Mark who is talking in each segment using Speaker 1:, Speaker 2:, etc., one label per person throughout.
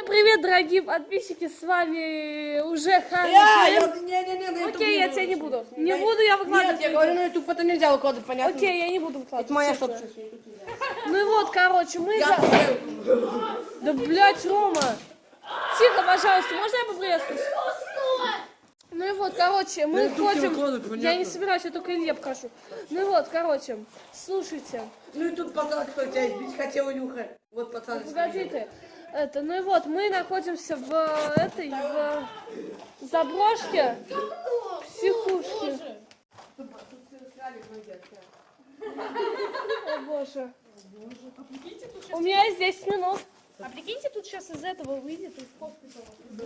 Speaker 1: привет, дорогие подписчики, с вами уже Ханя.
Speaker 2: Не,
Speaker 1: Окей, я тебя не буду. Не буду я выкладывать.
Speaker 2: Нет, я говорю, на YouTube это нельзя выкладывать, понятно?
Speaker 1: Окей, я не буду выкладывать.
Speaker 2: Это моя
Speaker 1: честно.
Speaker 2: собственность.
Speaker 1: Ну и вот, короче, мы... Да, блядь, Рома. Тихо, пожалуйста, можно я поприветствуюсь? Ну и вот, короче, мы ходим... Я не собираюсь, я только Илье покажу. Ну и вот, короче, слушайте.
Speaker 2: Ну и тут пацан, кто тебя избить хотел, Илюха. Вот пацан.
Speaker 1: Погоди ты. Это, ну и вот, мы находимся в этой, в заброшке психушки. О боже. У меня есть 10 минут. А прикиньте, тут сейчас из этого выйдет из хоспиталя.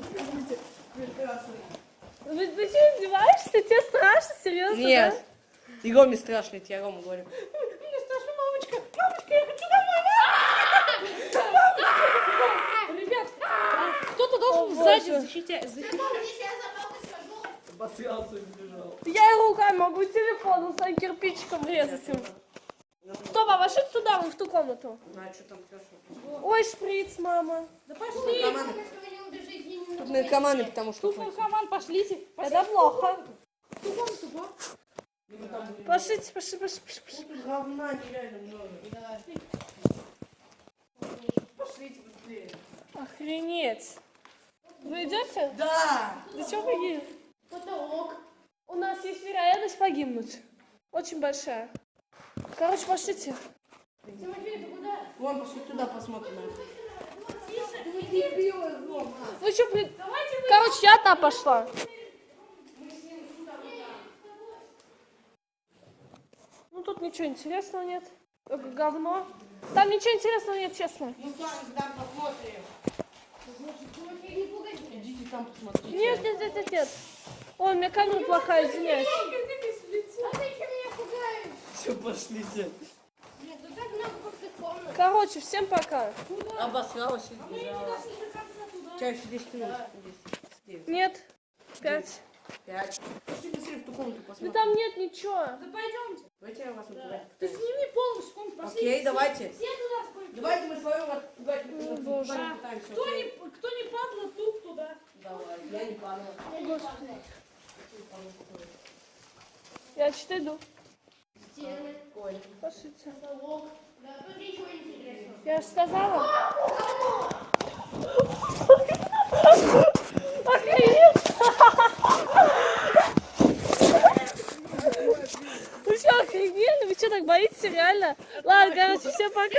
Speaker 1: Ты что, издеваешься? Тебе страшно? Серьезно?
Speaker 2: Нет.
Speaker 1: Да?
Speaker 2: И Роме страшно, я Рома говорю. Мне страшно, мамочка. Мамочка, я хочу домой.
Speaker 1: Ребят, кто-то должен сзади защитить.
Speaker 2: Обосрался и сбежал.
Speaker 1: Я и руками могу телефоном своим кирпичиком врезать им. Стоп, а пошли туда, вон в ту комнату.
Speaker 2: А что там Лёша?
Speaker 1: Ой, шприц, мама. Да пошли.
Speaker 2: Тут наркоманы, потому что...
Speaker 1: Тут наркоман, пошлите. Это плохо. Пошлите, пошли.
Speaker 2: Говна нереально много. Пошлите быстрее.
Speaker 1: Охренеть. Вы идете?
Speaker 2: Да.
Speaker 1: Да чего вы?
Speaker 3: Потолок.
Speaker 1: У нас есть вероятность погибнуть. Очень большая. Короче, пошлите.
Speaker 3: Тимофей, ты куда?
Speaker 2: Вон, пошли туда посмотрим.
Speaker 1: Вы что, блин? Короче, я та пошла. Ну, тут ничего интересного нет. Только говно. Там ничего интересного нет, честно.
Speaker 2: Мы с вами там посмотрим.
Speaker 3: Тимофей, не пугайся.
Speaker 2: Идите там посмотрите.
Speaker 1: Нет. Ой, у меня камера плохая, извиняюсь.
Speaker 3: А ты что меня пугаешь?
Speaker 2: Все, пошлите.
Speaker 3: Нет, ну так много пустых комнат.
Speaker 1: Короче, всем пока.
Speaker 2: Обосралась и сбежала. У тебя еще 10 минут. 10.
Speaker 1: Нет. 5.
Speaker 2: 5. Пошли быстрее в ту комнату
Speaker 1: Да
Speaker 2: посмотрим.
Speaker 1: там нет ничего.
Speaker 3: Да пойдемте.
Speaker 2: Давайте я вас напугаю.
Speaker 3: Ты сними полностью комнату. Пошли.
Speaker 2: Окей, давайте.
Speaker 3: Все туда спойдем.
Speaker 2: Давайте мы свою отпугать
Speaker 1: боже.
Speaker 2: пытаемся.
Speaker 3: Кто не падла, тут туда.
Speaker 2: Давай, я не падала.
Speaker 1: Я что-то иду.
Speaker 3: Стены,
Speaker 2: Ой.
Speaker 1: Пошлите.
Speaker 3: потолок. Да, тут ничего интересного.
Speaker 1: Я же сказала. Охренеть! Вы что, охренели? Вы что, так боитесь, реально? Ладно, короче, всем пока.